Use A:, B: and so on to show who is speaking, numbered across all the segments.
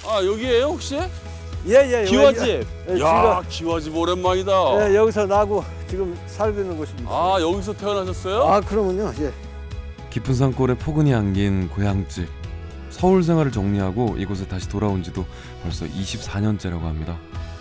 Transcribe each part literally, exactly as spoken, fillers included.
A: 아 여기에요 혹시?
B: 예예.
A: 기와집.
B: 예,
A: 야 기와집 오랜만이다.
B: 예, 여기서 나고 지금 살고 있는 곳입니다.
A: 아 여기서 태어나셨어요?
B: 아 그러면요. 예.
C: 깊은 산골에 포근히 안긴 고향집. 서울 생활을 정리하고 이곳에 다시 돌아온 지도 벌써 이십사 년째라고 합니다.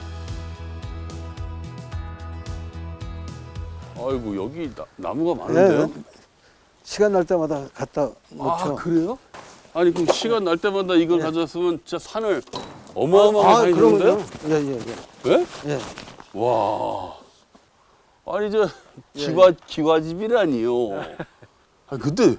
A: 아이고 여기 나, 나무가 많은데요?
B: 예, 시간 날 때마다 갖다 놓죠.
A: 아 그래요? 아니 그럼 시간 날 때마다 이걸
B: 예.
A: 가져왔으면 진짜 산을 어마어마하게
B: 아,
A: 많이
B: 그러면요.
A: 주는데요?
B: 예예 예.
A: 예?
B: 예.
A: 와. 아니 저 기와 기와집이라니요. 아 근데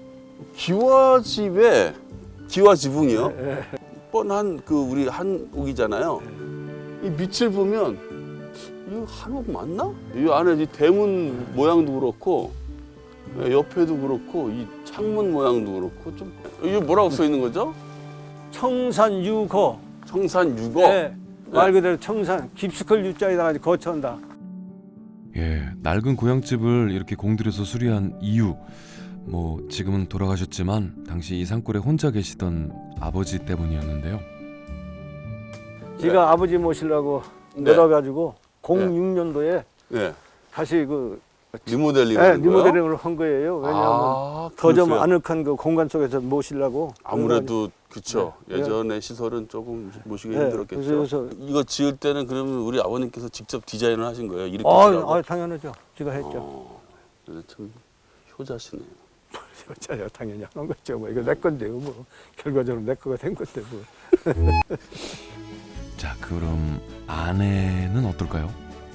A: 기와집에 기와 지붕이요? 뻔한 그 우리 한옥이잖아요. 이 밑을 보면 이거 한옥 맞나? 이 안에 이 대문 모양도 그렇고 옆에도 그렇고 이 창문 모양도 그렇고 좀 이게 뭐라고 써 있는 거죠?
B: 청산 유거.
A: 청산 유거.
B: 예. 말 그대로 청산 깊숙할 유자에다가 거쳐온다.
C: 예, 낡은 고향집을 이렇게 공들여서 수리한 이유. 뭐 지금은 돌아가셨지만 당시 이 산골에 혼자 계시던 아버지 때문이었는데요.
B: 제가 아버지 모시려고
A: 네.
B: 놀아가지고 공육 년도에
A: 네.
B: 다시 그
A: 리모델링.
B: 예, 리모델링을 한 거예요. 왜냐하면
A: 아,
B: 더 좀
A: 그러세요?
B: 아늑한 그 공간 속에서 모시려고.
A: 아무래도 그쵸.
B: 네.
A: 예전의 시설은 조금 모시기
B: 네,
A: 힘들었겠죠.
B: 그래서-
A: 이거 지을 때는 그러면 우리 아버님께서 직접 디자인을 하신 거예요? 이렇게
B: 아,
A: 지으라고?
B: 아, 당연하죠. 제가 했죠.
A: 어, 그래서 참 효자시네요.
B: 여자야 당연히 하는 거죠. 뭐 이거 내 건데요. 뭐 결과적으로 내 거가 된 건데 뭐.
C: 자, 그럼 아내는 어떨까요?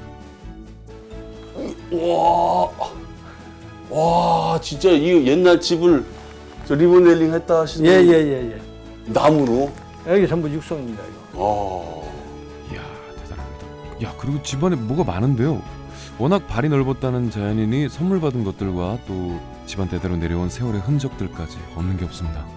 A: 와, 와, 진짜 이 옛날 집을 저 리모델링 했다 하시는
B: 예예예 예, 예.
A: 나무로.
B: 여기 전부 육성입니다. 이거.
A: 와,
C: 이야, 대단합니다. 야, 그리고 집안에 뭐가 많은데요. 워낙 발이 넓었다는 자연인이 선물 받은 것들과 또 집안 대대로 내려온 세월의 흔적들까지 없는 게 없습니다.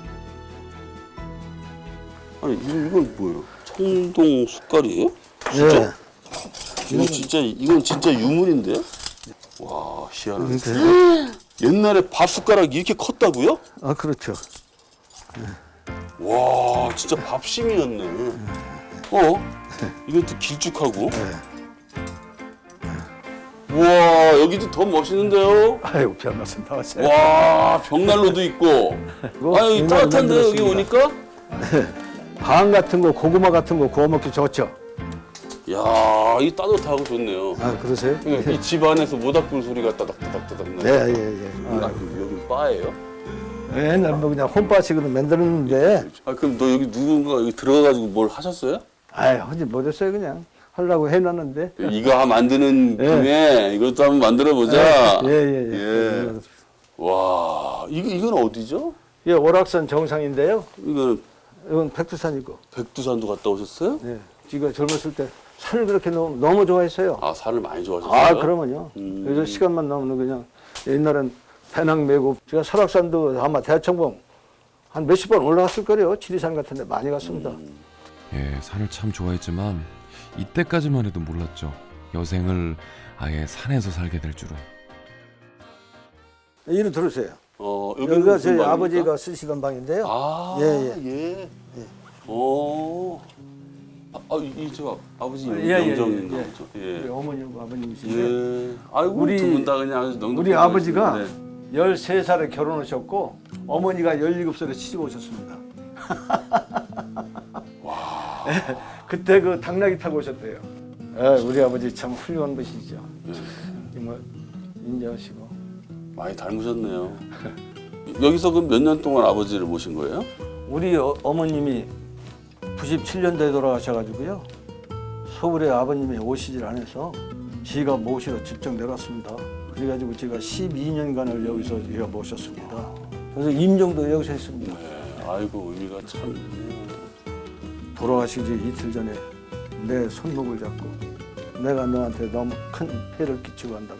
A: 아니 이건, 이건 뭐예요? 청동 숟갈이에요? 진짜?
B: 예.
A: 이건 진짜 이건 진짜 유물인데요? 와, 희한하네.
B: 음,
A: 옛날에 밥 숟가락이 이렇게 컸다고요?
B: 아 그렇죠.
A: 와, 진짜 밥심이었네. 어? 이것도 길쭉하고. 우와, 여기도 더 멋있는데요?
B: 아이고 별 말씀 다 하세요.
A: 와, 벽난로도 있고.
B: 이거
A: 아유,
B: 옛날에
A: 따뜻한데요, 여기
B: 만들었습니다.
A: 오니까?
B: 방 같은 거 고구마 같은 거 구워 먹기 좋죠.
A: 야, 이 따뜻하고 좋네요.
B: 아 그러세요?
A: 이 집 안에서 모닥불 소리가 따닥따닥따닥 나요.
B: 네 예예.
A: 아, 여기 바예요?
B: 예. 옛날 뭐 그냥 홈바식으로 만들었는데,
A: 아, 그럼 너 여기 누군가 여기 들어가가지고 뭘 하셨어요?
B: 아이 하지 못했어요 그냥 하려고 해놨는데.
A: 이거 만드는
B: 예.
A: 김에 이것도 한번 만들어 보자.
B: 예예예.
A: 예. 와, 이거 이건 어디죠?
B: 예, 오락산 정상인데요.
A: 이거는
B: 이건 백두산이고.
A: 백두산도 갔다 오셨어요?
B: 예. 제가 젊었을 때 산을 그렇게 너무, 너무 좋아했어요.
A: 아, 산을 많이 좋아하셨어요?
B: 아, 그러면요.
A: 음.
B: 그래서 시간만 나오면 그냥 옛날엔 배낭 메고 제가 설악산도 아마 대청봉 한 몇십 번 올라갔을 거예요. 지리산 같은 데 많이 갔습니다.
A: 음.
C: 예, 산을 참 좋아했지만 이때까지만 해도 몰랐죠. 여생을 아예 산에서 살게 될 줄은.
B: 이리 들으세요.
A: 어, 여기는
B: 여기가
A: 무슨
B: 저희
A: 방입니까?
B: 아버지가 쓰시던 방인데요.
A: 아,
B: 예,
A: 예. 오. 아, 아, 이저 아버지
B: 예, 예,
A: 영정인가
B: 예,
A: 보죠.
B: 우리
A: 예.
B: 어머니하고 아버님이신데
A: 예. 아이고,
B: 우리-
A: 두 분 다 그냥 아주 넉넉히
B: 우리 아버지가
A: 보이시네.
B: 열세 살에 결혼하셨고 어머니가 열일곱 살에 시집 오셨습니다.
A: 와.
B: 그때 그 당나귀 타고 오셨대요. 예, 우리 아버지 참 훌륭한 분이시죠.
A: 예.
B: 정말 인정하시고.
A: 많이 닮으셨네요. 여기서 그럼 몇 년 동안 아버지를 모신 거예요?
B: 우리 어, 어머님이 구십칠 년도에 돌아가셔가지고요. 서울에 아버님이 오시질 않아서 지가 모시러 직접 내려왔습니다. 그래가지고 제가 십이 년간을 여기서 제가 모셨습니다. 그래서 임종도 여기서 했습니다.
A: 네. 아이고, 의미가 참 있네요.
B: 돌아가시기 이틀 전에 내 손목을 잡고 내가 너한테 너무 큰 폐를 끼치고 간다고.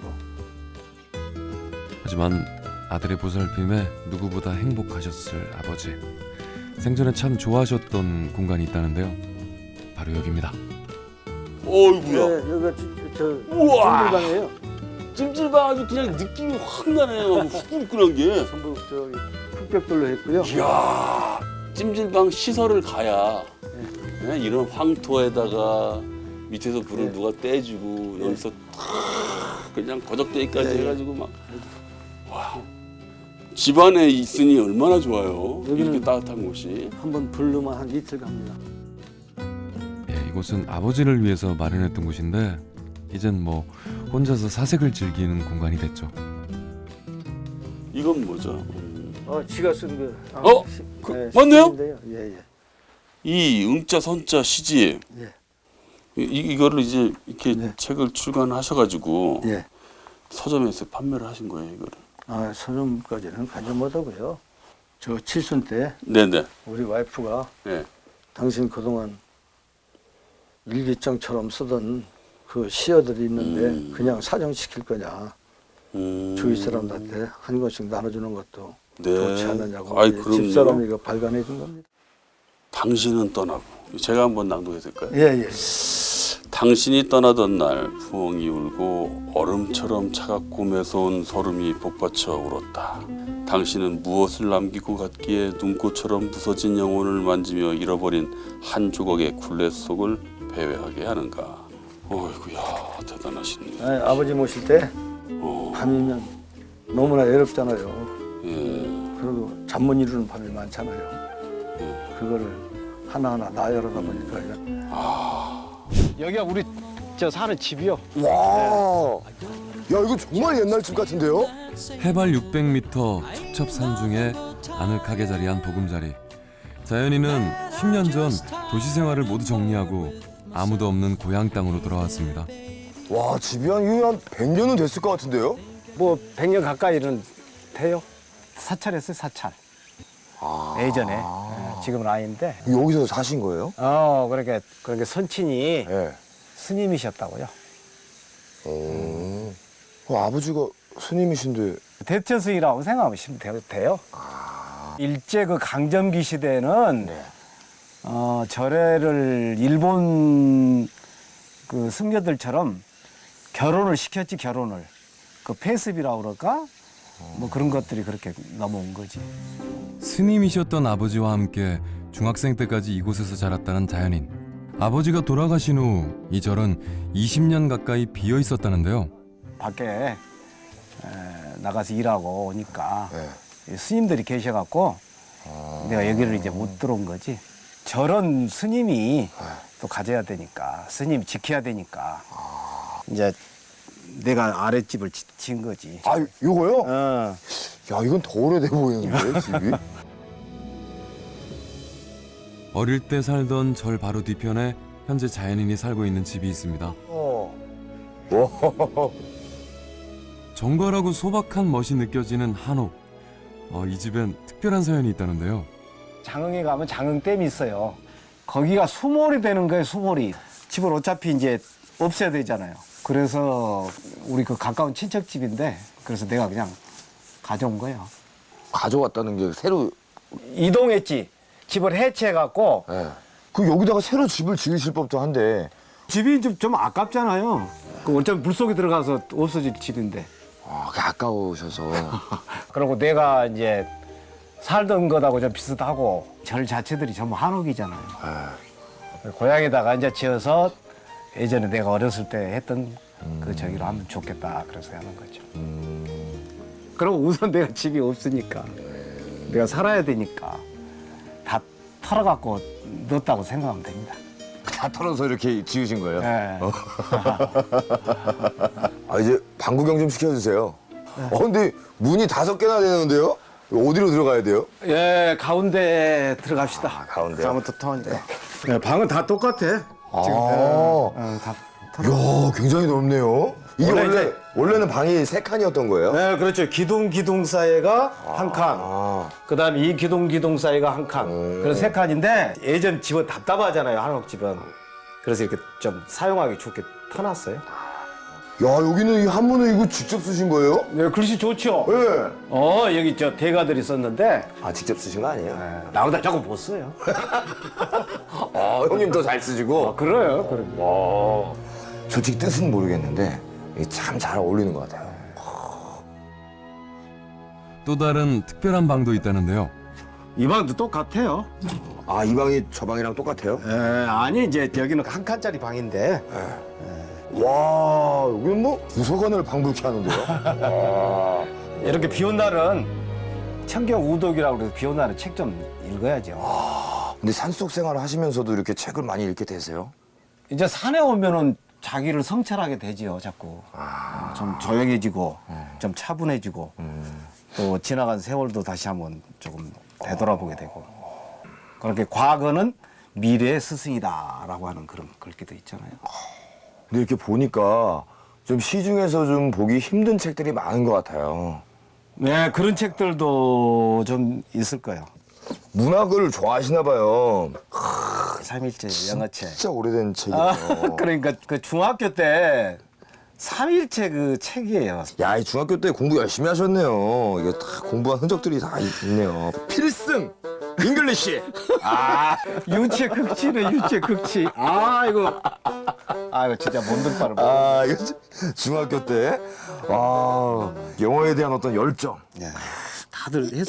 C: 하지만 아들의 보살핌에 누구보다 행복하셨을 아버지. 생전에 참 좋아하셨던 공간이 있다는데요. 바로 여기입니다.
A: 어이구야.
B: 네, 여기가 저, 저
A: 우와.
B: 찜질방이에요.
A: 찜질방 아주 그냥 느낌이 확 나네요. 후끈후끈한 게.
B: 전부 저기 흑벽돌로 했고요.
A: 이야, 찜질방 시설을 가야 네? 이런 황토에다가 밑에서 불을
B: 네.
A: 누가 떼주고 여기서 탁 그냥 거적대기까지
B: 네.
A: 해가지고 막 와. 집안에 있으니 얼마나 좋아요. 이렇게
B: 여기는
A: 따뜻한 곳이.
B: 한번 불르면 한 이틀 갑니다.
C: 예, 이곳은 아버지를 위해서 마련했던 곳인데 이젠 뭐 혼자서 사색을 즐기는 공간이 됐죠.
A: 이건 뭐죠? 음.
B: 어, 지가 쓴 그. 아,
A: 어?
B: 시-
A: 그,
B: 네,
A: 맞네요?
B: 시인데요. 예, 예.
A: 이 응자 선자 시집
B: 예.
A: 이, 이거를 이제 이렇게
B: 네.
A: 책을 출간하셔가지고
B: 예.
A: 서점에서 판매를 하신 거예요 이거를.
B: 아, 서점까지는 가지 못하고요. 저 칠순 때
A: 네네.
B: 우리 와이프가
A: 네.
B: 당신 그동안 일기장처럼 쓰던 그 시어들이 있는데
A: 음.
B: 그냥 사정시킬 거냐.
A: 음.
B: 주위 사람들한테 한 권씩 나눠주는 것도
A: 네.
B: 좋지 않느냐고
A: 아이,
B: 이제
A: 그럼요.
B: 집사람이 이거 발간해 준 겁니다.
A: 당신은 떠나고 제가 한번 낭독해 될까요?
B: 예, 예.
A: 당신이 떠나던 날 부엉이 울고 얼음처럼 차갑고 매서운 소름이 복받쳐 울었다. 당신은 무엇을 남기고 갔기에 눈꽃처럼 부서진 영혼을 만지며 잃어버린 한 조각의 굴레 속을 배회하게 하는가. 어이구야 대단하시네.
B: 아, 아버지 모실 때
A: 어,
B: 밤이면 너무나 외롭잖아요.
A: 예.
B: 그리고 잠 못 이루는 밤이 많잖아요. 그거를 하나하나 나열하다 보니까 이런
D: 여기가 우리 저 사는 집이요.
E: 와, 야 이거 정말 옛날 집 같은데요?
C: 해발 육백 미터 첩첩산 중에 아늑하게 자리한 보금자리. 자연이는 십 년 전 도시 생활을 모두 정리하고 아무도 없는 고향 땅으로 돌아왔습니다.
E: 와, 집이 한, 이거 한 백 년은 됐을 것 같은데요?
D: 뭐 백 년 가까이는 돼요. 사찰했어요, 사찰. 예전에. 예, 지금은 아닌데.
E: 여기서 사신 거예요?
D: 어, 그렇게 그렇게 선친이
E: 예.
D: 스님이셨다고요.
E: 오. 어, 아버지가 스님이신데.
D: 대처스이라고 생각하시면 돼요. 돼요. 일제 그 강점기 시대에는
E: 네.
D: 어, 절에를 일본 그 승려들처럼 결혼을 시켰지 결혼을. 그 폐습이라고 그럴까? 뭐 그런 것들이 그렇게 넘어온 거지.
C: 스님이셨던 아버지와 함께 중학생 때까지 이곳에서 자랐다는 자연인. 아버지가 돌아가신 후 이 절은 이십 년 가까이 비어 있었다는데요.
D: 밖에 에, 나가서 일하고 오니까
E: 네.
D: 스님들이 계셔갖고 내가 여기를 이제 못 들어온 거지. 저런 스님이 또 가져야 되니까 스님 지켜야 되니까 이제 내가 아랫집을 지- 지은 거지.
E: 아, 요거요?
D: 어.
E: 야, 이건 더 오래돼 보이는데, 집이?
C: 어릴 때 살던 절 바로 뒤편에 현재 자연인이 살고 있는 집이 있습니다.
E: 어. 와.
C: 정갈하고 소박한 멋이 느껴지는 한옥. 어, 이 집엔 특별한 사연이 있다는데요.
D: 장흥에 가면 장흥댐이 있어요. 거기가 수몰이 되는 거예요, 수몰이. 집을 어차피 이제 없애야 되잖아요. 그래서 우리 그 가까운 친척집인데 그래서 내가 그냥 가져온 거예요.
E: 가져왔다는 게 새로.
D: 이동했지. 집을 해체해갖고
E: 예. 그 여기다가 새로 집을 지으실 법도 한데.
D: 집이 좀, 좀 아깝잖아요. 그 어차피 물속에 들어가서 없어질 집인데.
E: 아, 그게 아까우셔서.
D: 그리고 내가 이제 살던 것하고 좀 비슷하고 절 자체들이 전부 한옥이잖아요.
E: 예.
D: 고향에다가 이제 지어서 예전에 내가 어렸을 때 했던 그 저기로 하면 좋겠다 그래서 하는 거죠. 그리고 우선 내가 집이 없으니까 내가 살아야 되니까 다 털어갖고 넣었다고 생각하면 됩니다.
E: 다 털어서 이렇게 지으신 거예요?
D: 네.
E: 아, 이제 방구 경 좀 시켜주세요. 어, 근데 문이 다섯 개나 되는데요? 어디로 들어가야 돼요?
D: 예, 가운데 들어갑시다.
E: 아, 가운데요?
D: 가면 더 터니까. 네, 방은 다 똑같아.
E: 아.
D: 어, 다 털어.
E: 이야, 굉장히 넓네요. 이게
D: 원래
E: 원래,
D: 이제-
E: 원래는 방이 세 칸이었던 거예요?
D: 네, 그렇죠. 기둥 기둥 사이가 한 칸.
E: 아,
D: 그다음에 이 기둥 기둥 사이가 한 칸.
E: 음.
D: 그래서 세 칸인데 예전 집은 답답하잖아요. 한옥 집은. 그래서 이렇게 좀 사용하기 좋게 터놨어요.
E: 야, 여기는 이 한문을 이거 직접 쓰신 거예요?
D: 네, 글씨 좋죠.
E: 예.
D: 어, 여기 저 대가들이 썼는데
E: 아, 직접 쓰신 거 아니에요?
D: 네, 나보다 조금 못 써요.
E: 아, 형님 더 잘 쓰시고.
D: 그래요, 그래.
E: 와. 솔직히 뜻은 모르겠는데 참 잘 어울리는 것 같아요.
C: 또 다른 특별한 방도 있다는데요.
D: 이 방도 똑같아요.
E: 아, 이 방이 저 방이랑 똑같아요?
D: 에, 아니 이제 여기는 한 칸짜리 방인데
E: 와, 여기는 뭐 부서관을 방불케 하는데요? 와.
D: 이렇게 비온 날은 청경 우독이라고 그래서 비온 날은 책 좀 읽어야죠.
E: 근데 산속 생활을 하시면서도 이렇게 책을 많이 읽게 되세요?
D: 이제 산에 오면은 자기를 성찰하게 되지요, 자꾸.
E: 아.
D: 어, 좀 조용해지고, 좀 차분해지고, 또 지나간 세월도 다시 한번 조금 되돌아보게 되고. 그렇게 과거는 미래의 스승이다라고 하는 그런 글귀도 있잖아요.
E: 근데 이렇게 보니까 좀 시중에서 좀 보기 힘든 책들이 많은 것 같아요.
D: 네, 그런 책들도 좀 있을 거예요.
E: 문학을 좋아하시나 봐요.
D: 삼일체 영어책.
E: 진짜 오래된 책이에요.
D: 아, 그러니까 그 중학교 때 삼일체 그 책이에요.
E: 야, 이 중학교 때 공부 열심히 하셨네요. 이게 다 공부한 흔적들이 다 있- 있네요. 필승! 잉글리시!
D: 아, 유체 극치네, 유체 극치. 아, 이거. 아, 이거 진짜 못들 바를
E: 아, 이거 주- 중학교 때. 아, 영어에 대한 어떤 열정.
D: 야, 다들 했어.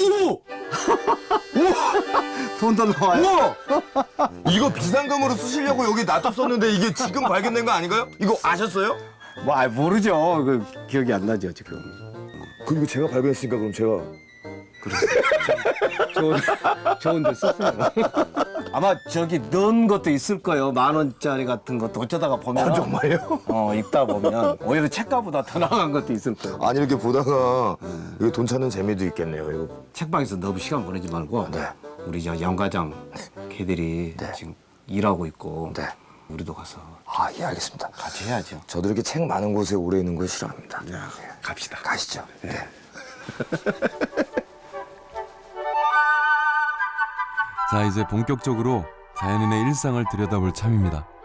D: 돈도 나와요.
E: 우와! 이거 비상금으로 쓰시려고 여기 놔뒀었는데 이게 지금 발견된 거 아닌가요? 이거 아셨어요?
D: 뭐, 아, 모르죠. 그 기억이 안 나죠, 지금.
E: 그리고 제가 발견했으니까 그럼 제가.
D: 좋은, 좋은데 썼어요. 아마 저기 넣은 것도 있을 거예요. 만 원짜리 같은 것도 어쩌다가 보면.
E: 아, 정말요?
D: 어, 읽다 보면 오히려 책가보다 더 나간 것도 있을 거예요.
E: 아니, 이렇게 보다가 이거 돈 찾는 재미도 있겠네요. 이거.
D: 책방에서 너무 시간 보내지 말고
E: 네.
D: 우리 저 영과장 걔들이 지금 일하고 있고
E: 네.
D: 우리도 가서
E: 아, 예, 알겠습니다.
D: 같이 해야죠.
E: 저도 이렇게 책 많은 곳에 오래 있는 걸 싫어합니다.
D: 야, 갑시다.
E: 가시죠. 네.
C: 자, 이제 본격적으로 자연인의 일상을 들여다볼 참입니다.